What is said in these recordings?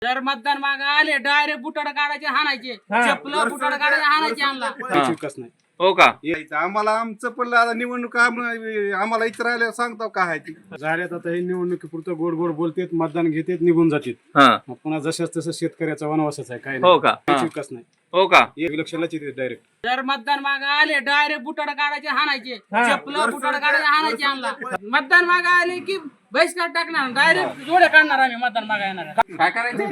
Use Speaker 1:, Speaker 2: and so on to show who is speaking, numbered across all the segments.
Speaker 1: जर मतदान मागे आले डायरेक्ट बुटाड काढायचे हाणायचे, चपलं बुटाड काढायचे हाणायचे आणला
Speaker 2: विकास नाही
Speaker 3: हो का?
Speaker 2: यायचं आम्हाला आमचं पण आता निवडणूक आम्हाला इथं राहिल्यावर सांगतो काय आहे ती झाल्यात. आता हे निवडणुकीपुरतं गोड गोड बोलतेत, मतदान घेतेत, निघून जातात.
Speaker 3: हा
Speaker 2: पुन्हा जशाच तसं शेतकऱ्याचा वनवासच आहे, काय
Speaker 3: हो का?
Speaker 2: नाही विकास नाही.
Speaker 3: हो का?
Speaker 2: इलेक्शनलाच येते डायरेक्ट.
Speaker 1: जर मतदान मागे आले डायरेक्ट बुटाड काढायचे हाणायचे, चपलं बुटाड काढायचे हाणायचे आणला. मतदान मागे आले की बहिष्कार टाकणार, डायरेक्ट जोडे काढणार आम्ही मतदान मागे येणार.
Speaker 3: काय करायचं?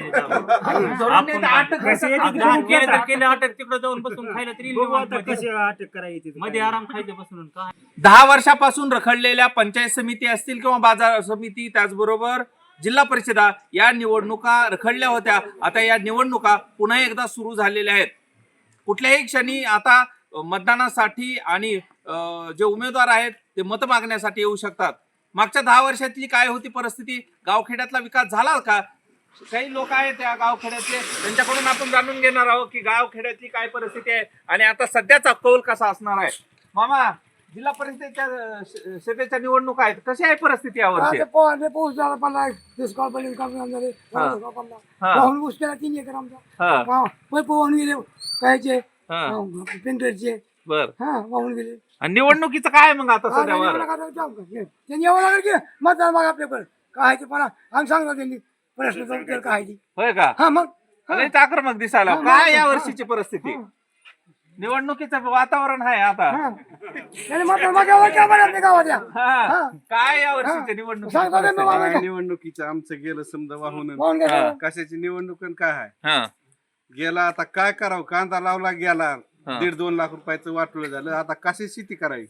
Speaker 4: अटक तिकडे जाऊन बसून खायला तरी
Speaker 5: अटक करायची
Speaker 4: मध्ये आराम खायचे बसून काय
Speaker 3: 10 वर्षापासून रखडलेल्या पंचायत समिती असतील किंवा बाजार समिती, त्याचबरोबर जिल्हा परिषदा या निवडणुका रखडल्या होत्या. आता या निवडणुका पुन्हा एकदा सुरू झालेल्या आहेत. कुठल्याही क्षणी आता मतदानासाठी आणि जे उमेदवार आहेत ते मत मागण्यासाठी येऊ शकतात. मागच्या 10 वर्षातली काय होती परिस्थिती, गावखेड्यातला विकास झाला का? काही लोक आहेत त्या गावखेड्यातले, त्यांच्याकडून आपण जाणून घेणार आहोत की गावखेड्यातली काय परिस्थिती आहे आणि आता सध्याचा कौल कसा असणार आहे. मामा, जिल्हा परिषदेच्या सभेच्या निवडणूक आहेत, कशी आहे परिस्थिती यावर्षी?
Speaker 5: पाऊस झाला पडला, दुष्काळ पडले, वाहून ऊस केला 3 एकर आमचा, पैप वाहून गेले, कायचे पेंटरचे
Speaker 3: बर,
Speaker 5: वाहून गेले.
Speaker 3: आणि निवडणुकीचं काय मग आता सध्यावर?
Speaker 5: त्यांनी यावं लागेल की मतदान मागा आपल्याकडे काय ते पण आम्ही सांगतो त्यांनी प्रश्नाचं उत्तर काय ती.
Speaker 3: होय का?
Speaker 5: हा मग
Speaker 3: लयच आक्रमक दिसायला. काय या वर्षीची परिस्थिती? निवडणुकीचं वातावरण आहे आता.
Speaker 5: त्यांनी मतदान मागावं का बरं आपल्या गावात या.
Speaker 3: काय या वर्षीच्या निवडणूक?
Speaker 5: सांगतो त्यांना मागायचं.
Speaker 2: निवडणुकीचं आमचं गेलं समजा वाहून.
Speaker 5: वाहून गेलं.
Speaker 2: कशाची निवडणूक आणि काय आहे गेला. आता काय करावं, कांदा लावला गेला, 1.5-2 लाख रुपयाचं वाटलं झालं. आता कशी शेती करावी,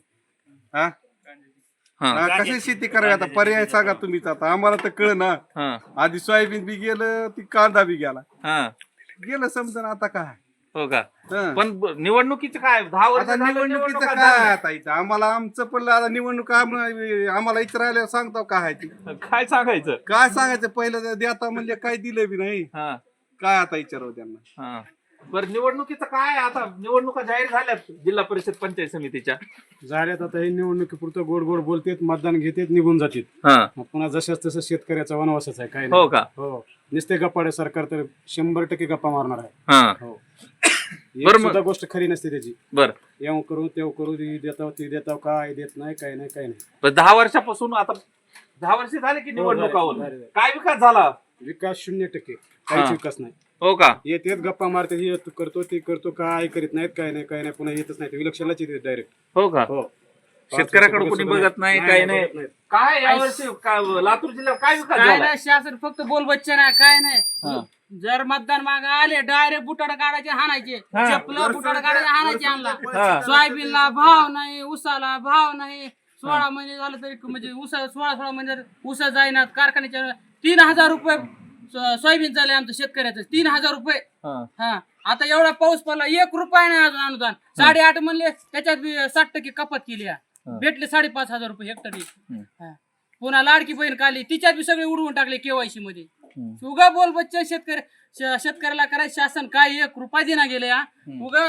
Speaker 2: कशी शेती करावी? आता पर्याय सांगा तुम्हीच. आता आम्हाला तर कळ ना. आधी सोयाबीन बी गेलं, ती कांदा बी गेला, गेलं समजा. आता काय
Speaker 3: हो का? पण निवडणुकीचं काय 10 वर्ष
Speaker 2: आता निवडणुकीचं काय आता इथं आम्हाला आमचं पण आता निवडणूक आम्हाला इथं राहिल्यावर सांगतो काय आहे ती.
Speaker 3: काय सांगायचं?
Speaker 2: काय सांगायचं, पहिलं देता म्हणजे काय दिलं बी नाही. काय आता विचारावं त्यांना.
Speaker 3: बरं, निवडणुकीचं काय? आता निवडणुका जाहीर झाल्यात जिल्हा परिषद पंचायत समितीच्या.
Speaker 2: झाल्यात. आता हे निवडणुकीपुरतं गोड गोड बोलतेत, मतदान घेतेत, निघून जातात. पुन्हा जशाच तसं शेतकऱ्याचा वनवासच आहे, काय
Speaker 3: हो का?
Speaker 2: हो, नुसते गप्पाडे सरकार तर 100% गप्पा मारणार आहे. हो, सुद्धा गोष्ट खरी नसते त्याची.
Speaker 3: बर,
Speaker 2: येऊ करू तेव करू, देताव ती देताव, काय देत नाही, काय नाही, काय नाही.
Speaker 3: पण 10 वर्षापासून आता 10 वर्ष झाले की निवडणुकावर काय विकास झाला?
Speaker 2: विकास 0%, काहीच विकास नाही.
Speaker 3: हो का?
Speaker 2: येतेत गप्पा मारते, हे करतो ते करतो, काय करीत नाहीत, काय नाही, काय नाही. पुन्हा येतच नाही, इलेक्शनलाच येते डायरेक्ट.
Speaker 3: हो का?
Speaker 2: हो,
Speaker 3: शेतकऱ्याकडे कोणी बघत नाही, काय नाही. काय यावर्षी लातूर जिल्ह्यात काय विकास
Speaker 1: काय
Speaker 3: झाला?
Speaker 1: नाही, शासन फक्त बोलबच्चन आहे, काय नाही. जर मतदान मागे आले डायरेक्ट बुटाड काढायचे हाणायचे, चपलं बुटाड काढायचे हाणायचे आणला. सोयाबीनला भाव नाही, उसाला भाव नाही. 16 महिने झालं तरी म्हणजे 16 महिने उसा जाईना. कारखान्याच्या 3,000 रुपये सोयाबीन चालले आमचं शेतकऱ्याचं, 3,000 रुपये. आता एवढा पाऊस पडला, 1 रुपया नाही अजून अनुदान. 8.5 म्हणले, त्याच्यात 60% कपात केली. भेटले 5,500 रुपये हेक्टरी. पुन्हा लाडकी बहीण काढली, तिच्यात बी सगळे उडवून टाकले KYC मध्ये. उगा बोल बच्चे शेतकऱ्याला करायचं शासन काय 1 रुपया देना गेले. उगा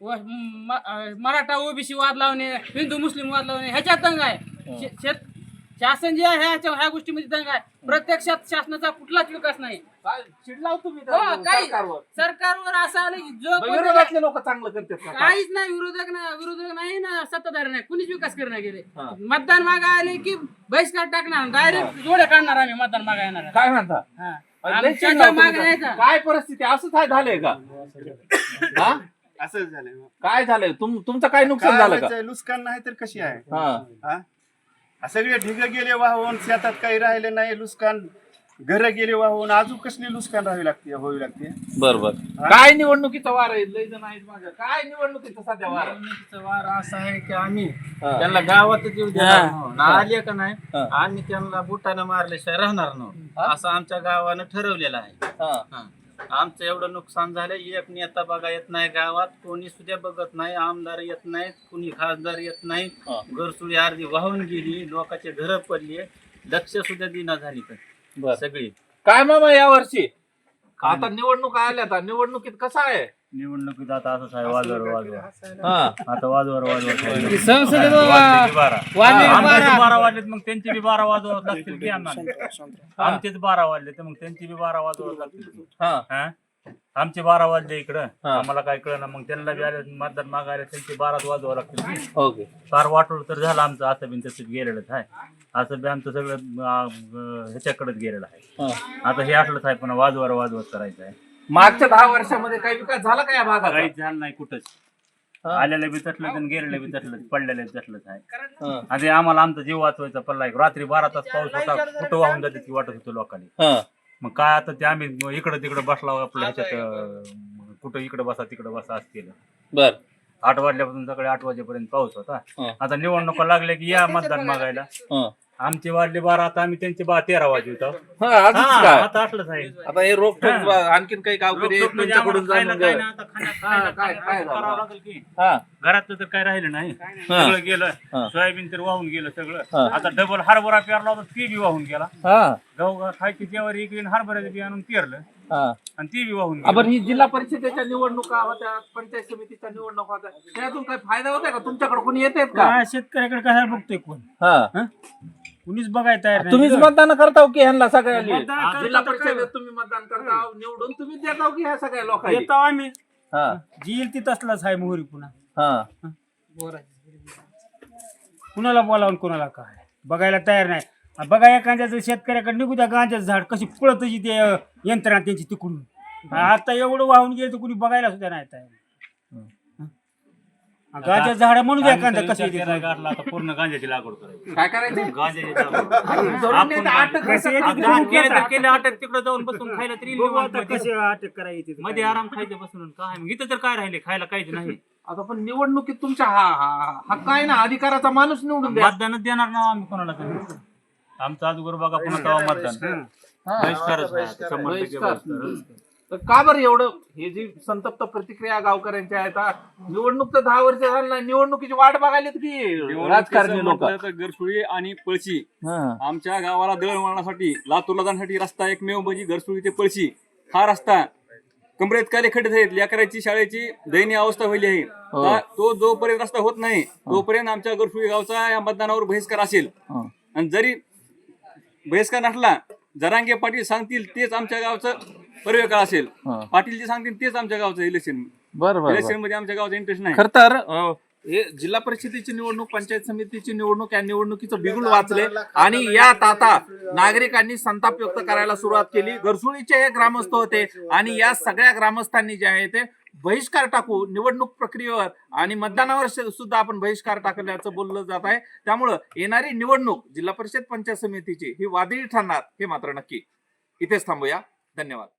Speaker 1: मराठा ओबीसी वाद लावणे, हिंदू मुस्लिम वाद लावणे, ह्याच्यात दंग आहे. शासन जे आहे ह्या गोष्टीमध्ये दंग आहे. प्रत्यक्षात शासनाचा कुठलाच विकास नाही.
Speaker 3: चिडलाव तुम्ही
Speaker 1: सरकारवर असं आलं की जो
Speaker 3: विरोधातले लोक चांगलं करतात का?
Speaker 1: काहीच नाही, विरोधक नाही ना, सत्ताधारी नाही, कुणीच विकास करणार गेले. मतदान मागा आले की बहिष्कार टाकणार, डायरेक्ट जोडे काढणार आम्ही मतदान मागा येणार.
Speaker 3: काय म्हणता? काय परिस्थिती असंच आहे झालंय का?
Speaker 2: असंच झालंय.
Speaker 3: काय झालंय? तुमचं काय नुकसान झालं का?
Speaker 2: नुकसान नाही तर कशी आहे. सगळे ढिग गेले वाहून, शेतात काही राहिले नाही, नुकसान घर गेले वाहून, अजून कसली नुकसान राहावी लागते, होवी लागते.
Speaker 3: बरोबर. काय निवडणुकीचा वार आहे? लय जण आहेत माझ्या. काय निवडणुकीचा सध्या वार?
Speaker 4: निवडणुकीचा वार असा आहे की आम्ही त्यांना गावातच येऊ देणार आले का नाही, आम्ही त्यांना बुटानं मारल्याशिवाय राहणार नाही असं आमच्या गावानं ठरवलेलं आहे. आमचं एवढं नुकसान झालं, एक नेता बघा येत नाही गावात, कोणी सुद्धा बघत नाही, आमदार येत नाहीत, कुणी खासदार येत नाही. घरसुडी अर्धी वाहून गेली, लोकांचे घर पडले, लक्ष सुद्धा दिना झाली तर सगळी.
Speaker 3: काय मामा या वर्षी आता निवडणूक आल्या, निवडणुकीत कसं आहे?
Speaker 4: निवडणुकीत आता असंच आहे, वाजवर वाजवा
Speaker 3: हा
Speaker 4: आता वाजवर वाजवा
Speaker 1: संसदेत वाजले
Speaker 4: आमचे 12 वाजलेत मग त्यांचे बी 12 वाजवत लागतील की आम्हाला आमचेच 12 वाजले तर मग त्यांचे बी 12 वाजवत लागतील
Speaker 3: हा
Speaker 4: हा? आमचे 12 वाजले इकडं आम्हाला काय कळलं मग त्यांना बी आले मतदान मागायला त्यांचे 12 वाजवा लागतील की.
Speaker 3: ओके
Speaker 4: फार वाटोळ तर झालं आमचं असं बी तसं गेलेलंच आहे असं बी आमचं सगळं ह्याच्याकडेच गेलेलं आहे आता हे असलंच आहे पण वाजवत करायचं आहे
Speaker 3: मागच्या 10 वर्षामध्ये काही विकास झाला का या भागात
Speaker 4: काहीच झालं नाही कुठंच आलेलं बी तसलंच आणि गेलेलं बी तसलंच पडलेलं बी तसलंच आहे आणि आम्हाला आमचा जीव वाचवायचा पडला रात्री 12 तास पाऊस होता कुठं वाहून जाते की वाटत होतं लोकांनी मग काय आता ते आम्ही इकडं तिकडं बसला आपल्या ह्याच्यात कुठं इकडं बसा तिकडं बसा असं केलं
Speaker 3: बर
Speaker 4: 8 वाजल्यापासून सकाळी 8 वाजेपर्यंत पाऊस होता आता निवडणुका लागल्या की या मतदान मागायला आमचे वाजले 12 आता आम्ही त्यांचे 13 वाजले होतो आता असलंच आहे
Speaker 3: आता हे रोखोक आणखीन काही गावकरी आहेत, त्यांच्याकडून जाणून घ्या.
Speaker 4: करावं लागेल की
Speaker 3: हा
Speaker 4: घरातलं तर काय राहिलं नाही सगळं गेलं सोयाबीन तर वाहून गेलं सगळं आता डबल हरभरा पेरला होता ते बी वाहून गेला
Speaker 3: हा
Speaker 4: गहू खायची ज्वारी इकडे हरभऱ्याचं बी आणून पेरलं
Speaker 3: हा
Speaker 4: आणि ती बी वाहून
Speaker 3: आपण ही जिल्हा परिषदेच्या निवडणुका होत्या पंचायत समितीच्या निवडणुका होत्या त्यातून काही फायदा होता का तुमच्याकडे कोणी येतात का
Speaker 4: गेली शेतकऱ्याकडे काय बघतोय कोण
Speaker 3: हा
Speaker 4: कुणीच बघायला तयार नाही
Speaker 3: तुम्हीच मतदान करताव की ह्यांना सगळ्यांना
Speaker 4: मतदान करता
Speaker 3: जिल्हा
Speaker 4: तर
Speaker 3: परिषदेत तुम्ही मतदान करताव निवडून तुम्ही देताव की ह्या सगळ्या लोकांना
Speaker 4: येतो आम्ही
Speaker 3: हा
Speaker 4: जी येईल ती तसलाच आहे मोहरी पुन्हा
Speaker 3: हा
Speaker 4: कुणाला बोलावून कुणाला काय बघायला तयार नाही बघा एखाद्याचं शेतकऱ्याकडे निघू द्या गांजाचं झाड कशी पळतची ते यंत्रणा त्यांची तिकडून आता एवढं वाहून गेलं तर कुणी बघायला सुद्धा नाही तयार गांजाचं झाड म्हणू द्या एखाद्या कशी गाठला आता पूर्ण गांजाची लागवड करायची
Speaker 3: काय करायचं
Speaker 4: गांजाची
Speaker 3: अटक
Speaker 4: तिकडे जाऊन बसून खायला तरी कसे अटक करायची मध्ये आराम खायचं बसून काय मग इथं तर काय राहिले खायला काहीच नाही
Speaker 3: आता पण निवडणुकीत तुमच्या हक्क आहे ना अधिकाराचा माणूस निवडून द्या
Speaker 4: मतदानच देणार ना आम्ही कोणाला तरी आमचं अगोदर बघा पुन्हा तेव्हा मतदान बहिष्कारच आहे आता, 100% बहिष्कार.
Speaker 3: तर का बरं एवढं हे जी संतप्त प्रतिक्रिया गावकऱ्यांच्या आहेत निवडणूक तर 10 वर्ष झालं नाही निवडणुकीची वाट बघायला की राजकारणी लोक
Speaker 6: गरसुळी आणि पळशी आमच्या गावाला दळणवळणासाठी लातूरला जाण्यासाठी रस्ता एकमेव म्हणजे गरसुळी ते पळशी हा रस्ता कमरेत काले खड्डे आहेत लेकराची शाळेची दयनीय अवस्था व्हायली आहे तो जोपर्यंत रस्ता होत नाही तोपर्यंत आमच्या गरसुळी गावचा या मतदानावर बहिष्कार असेल आणि जरी बहिष्कार नसला जरांगे पाटील सांगतील तेच आमच्या गावचं पर्यकाळ असेल पाटील जे सांगतील तेच आमच्या गावचं इलेक्शन इलेक्शन मध्ये आमच्या गावचा इंटरेस्ट नाही
Speaker 3: खर तर हे जिल्हा परिषदेची निवडणूक पंचायत समितीची निवडणूक या निवडणुकीचं बिगुल वाचले आणि यात आता नागरिकांनी संताप व्यक्त करायला सुरुवात केली गरसुळीचे हे ग्रामस्थ होते आणि या सगळ्या ग्रामस्थांनी जे आहे ते बहिष्कार टाकू निवडणूक प्रक्रियेवर आणि मतदानावर सुद्धा आपण बहिष्कार टाकल्याचं बोललं जात आहे त्यामुळं येणारी निवडणूक जिल्हा परिषद पंचायत समितीची ही वादळी ठरणार हे मात्र नक्की इथेच थांबूया धन्यवाद